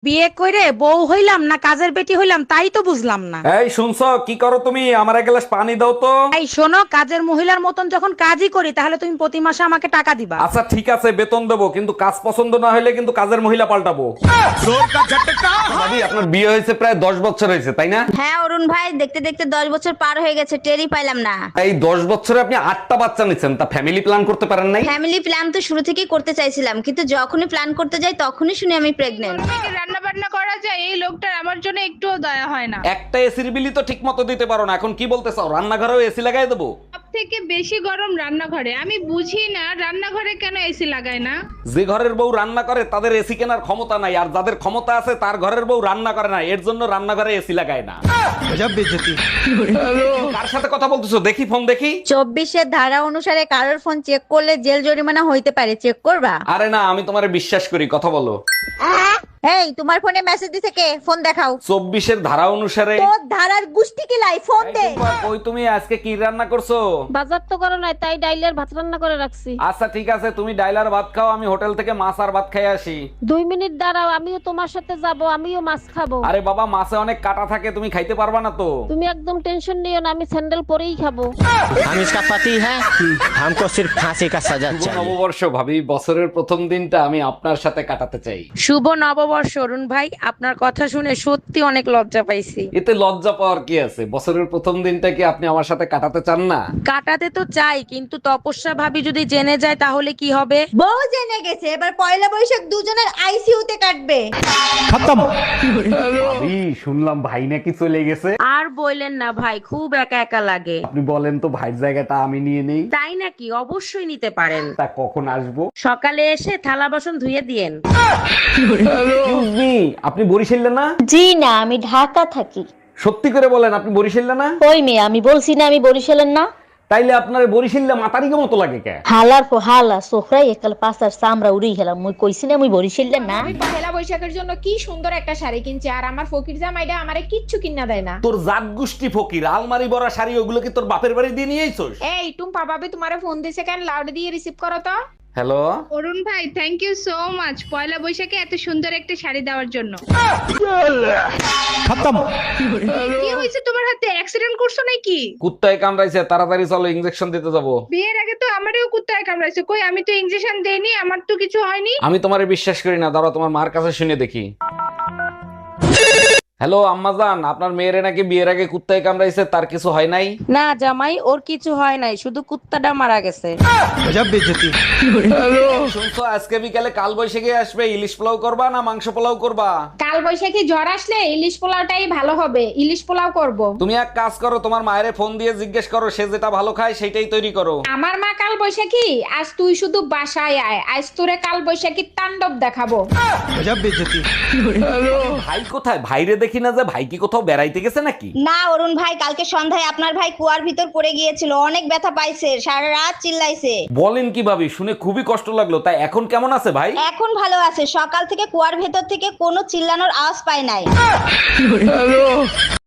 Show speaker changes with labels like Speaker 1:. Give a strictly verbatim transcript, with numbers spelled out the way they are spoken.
Speaker 1: বিয়ে করে বউ হইলাম না কাজের বেটি হইলাম তাই তো বুঝলাম না।
Speaker 2: এই শুনছো কি করো তুমি? আমার এক গ্লাস পানি দাও তো।
Speaker 1: এই শোনো, কাজের মহিলার মতন যখন কাজই করি তাহলে তুমি প্রতি মাসে আমাকে টাকা দিবা।
Speaker 2: আচ্ছা ঠিক আছে, বেতন দেবো, কিন্তু কাজ পছন্দ না হলে কিন্তু কাজের মহিলা পাল্টাবো। ভাবি, আপনার বিয়ে হয়েছে প্রায় দশ বছর হয়েছে তাই না?
Speaker 3: হ্যাঁ অরুণ ভাই, দেখতে দেখতে দশ বছর পার হয়ে গেছে, টেরই পাইলাম না।
Speaker 2: এই দশ বছরে আপনি আটটা বাচ্চা নিচ্ছেন, তা ফ্যামিলি প্ল্যান করতে পারেন নাই?
Speaker 3: ফ্যামিলি প্ল্যান তো শুরু থেকেই করতে চাইছিলাম, কিন্তু যখনই প্ল্যান করতে যাই তখনই শুনি আমি প্রেগনেন্ট।
Speaker 4: রান্না বান্না করা যায়, এই লোকটার আমার জন্য একটুও দয়া হয় না।
Speaker 2: একটা এসির বিলি তো ঠিক মতো দিতে পারো না, এখন কি বলতে চাও রান্নাঘরেও এসি লাগাই দেবো?
Speaker 4: সব থেকে বেশি গরম রান্নাঘরে। আমি বুঝি না রান্নাঘরে কেন এসি লাগায় না।
Speaker 2: যে ঘরের বউ রান্না করে তাদের এসি কেনার ক্ষমতা নাই, আর যাদের ক্ষমতা আছে তার ঘরের বউ রান্না করে না, এর জন্য রান্নাঘরে এসি লাগায় না। কার সাথে কথা বলতেছো? দেখি ফোন দেখি।
Speaker 3: চব্বিশের ধারা অনুসারে কারোর ফোন চেক করলে জেল জরিমানা হইতে পারে, চেক করবা?
Speaker 2: আরে না, আমি তোমারে বিশ্বাস করি, কথা বলো।
Speaker 3: এই তোমার ফোনে মেসেজ দিছে কে? ফোন দেখাও।
Speaker 2: চব্বিশের ধারা অনুসারে।
Speaker 3: তোর ধারার গুষ্টি কি লাই, ফোন দে।
Speaker 2: ওই তুমি আজকে কি রান্না করছো?
Speaker 5: বাজার তো করো নাই, তাই ডাইলের ভাত রান্না করে রাখছি।
Speaker 2: আচ্ছা ঠিক আছে, তুমি ডাইলার ভাত খাও, আমি হোটেল থেকে মাছ আর ভাত খাই আসি।
Speaker 5: দুই মিনিট দাঁড়াও, আমিও তোমার সাথে যাব, আমিও মাছ খাবো।
Speaker 2: আরে বাবা, মাছে অনেক কাটা থাকে, তুমি খাইতে পারবা না তো।
Speaker 5: তুমি একদম টেনশন নিও না, আমি স্যান্ডেল পরেই খাবো।
Speaker 6: हम इसका पति है, हमको सिर्फ फांसी का सजा
Speaker 2: শুভ
Speaker 6: चाहिए।
Speaker 2: নববর্ষ ভাবি, বছরের প্রথম দিনটা আমি আপনার সাথে কাটাতে চাই।
Speaker 1: শুভ নববর্ষ অরুণ ভাই, আপনার কথা শুনে সত্যি অনেক লজ্জা পাইছি।
Speaker 2: এতে লজ্জা পাওয়ার কি আছে? বছরের প্রথম দিনটা কি আপনি আমার সাথে কাটাতে চান না?
Speaker 1: কাটাতে তো চাই, কিন্তু তপস্যা ভাবি যদি জেনে যায় তাহলে কি হবে?
Speaker 3: বউ জেনে গেছে, এবার পয়লা বৈশাখ দুজনের আইসিইউতে কাটবে।
Speaker 2: ভাবি, শুনলাম ভাই নাকি চলে গেছে।
Speaker 1: আর বললেন না ভাই, খুব একা একা লাগে।
Speaker 2: আপনি বলেন তো ভাইয়ের জায়গাটা আমি নিয়ে নেই।
Speaker 1: তাই নাকি? অবশ্যই নিতে পারেন।
Speaker 2: তা কখন আসবো?
Speaker 1: সকালে এসে থালা বাসন ধুয়ে দিয়েন।
Speaker 2: Excuse me, আপনি বরিশালে না?
Speaker 7: জি না, আমি ঢাকা থাকি।
Speaker 2: সত্যি করে বলেন, আপনি বরিশালে না?
Speaker 7: ওই মেয়ে, আমি বলছি না আমি বরিশালের না।
Speaker 2: তাইলে আপনার বরিশালে মাতারিকে মতো লাগে কে?
Speaker 7: হালার পো হালা সোফরাই একাল পাঁচার চামড়া উড়ি গেলাম, মুই কইছি না মুই বরিশালের না।
Speaker 8: আমি পহেলা বৈশাখের জন্য কি সুন্দর একটা শাড়ি কিনছি, আর আমার ফকির জামাইটা আমারে কিচ্ছু কিনা দেয় না।
Speaker 2: তোর জাত গোষ্ঠী ফকির, আলমারি ভরা শাড়ি ওগুলো কি তোর বাপের বাড়ি দিয়ে নিয়ে আইছস?
Speaker 8: এই টুম্পা ভাবি তোমারে ফোন দিছে কেন? লাউড দিয়ে রিসিভ করো তো।
Speaker 2: হ্যালো।
Speaker 4: অরুণ ভাই, থ্যাংক ইউ সো মাচ পয়লা বৈশাখে এত সুন্দর একটা শাড়ি দেওয়ার জন্য। কি হয়েছে তোমার হাতে? অ্যাক্সিডেন্ট করছো নাকি?
Speaker 2: কুত্তায় কামড়াইছে, তাড়াতাড়ি চলো, ইনজেকশন দিতে যাবো।
Speaker 4: বিয়ের আগে তো আমারও কুত্তায় কামড়াইছে। কই, আমি তো ইনজেকশন দেইনি, আমার তো কিছু হয়নি।
Speaker 2: আমি তোমারে বিশ্বাস করি না, দাঁড়াও তোমার মার কাছে শুনে দেখি। হ্যালো আম্মাজান, আপনার মেয়েরে নাকি বিয়ের আগে কুত্তায় কামড়াইছে, তার কিছু হয় নাই?
Speaker 1: না জামাই, ওর কিছু হয় নাই, শুধু কুত্তাটা মারা গেছে।
Speaker 2: শুনছো, আজকে বিকালে কাল বৈশাখী আসবে, ইলিশ পোলাও করবা না মাংস পোলাও করবা?
Speaker 8: কাল বৈশাখী জ্বর আসলে ইলিশ পোলাওটাই ভালো হবে, ইলিশ পোলাও করব।
Speaker 2: তুমি এক কাজ করো, তোমার মায়েরে ফোন দিয়ে জিজ্ঞেস করো, সে যেটা ভালো খায় সেটাই তৈরি করো।
Speaker 8: আমার মা কাল বৈশাখী, আজ তুই শুধু বাসায় আয়, আজ তোরে কাল বৈশাখীর তাণ্ডব দেখাবো।
Speaker 2: ভাই কোথায়? ভাইরে দেখি না যে, ভাই কি কোথাও বেড়াইতে গেছে নাকি?
Speaker 3: না অরুণ ভাই, কালকে সন্ধ্যায় আপনার ভাই কুয়ার ভিতর পড়ে গিয়েছিল, অনেক ব্যথা পাইছে, সারা রাত চিল্লাইছে।
Speaker 2: বলেন কি ভাবি, শুনে খুবই কষ্ট লাগলো। তাই এখন কেমন আছে ভাই?
Speaker 3: এখন ভালো আছে, সকাল থেকে কুয়ার ভেতর থেকে কোনো চিল্লানোর আওয়াজ পাই নাই।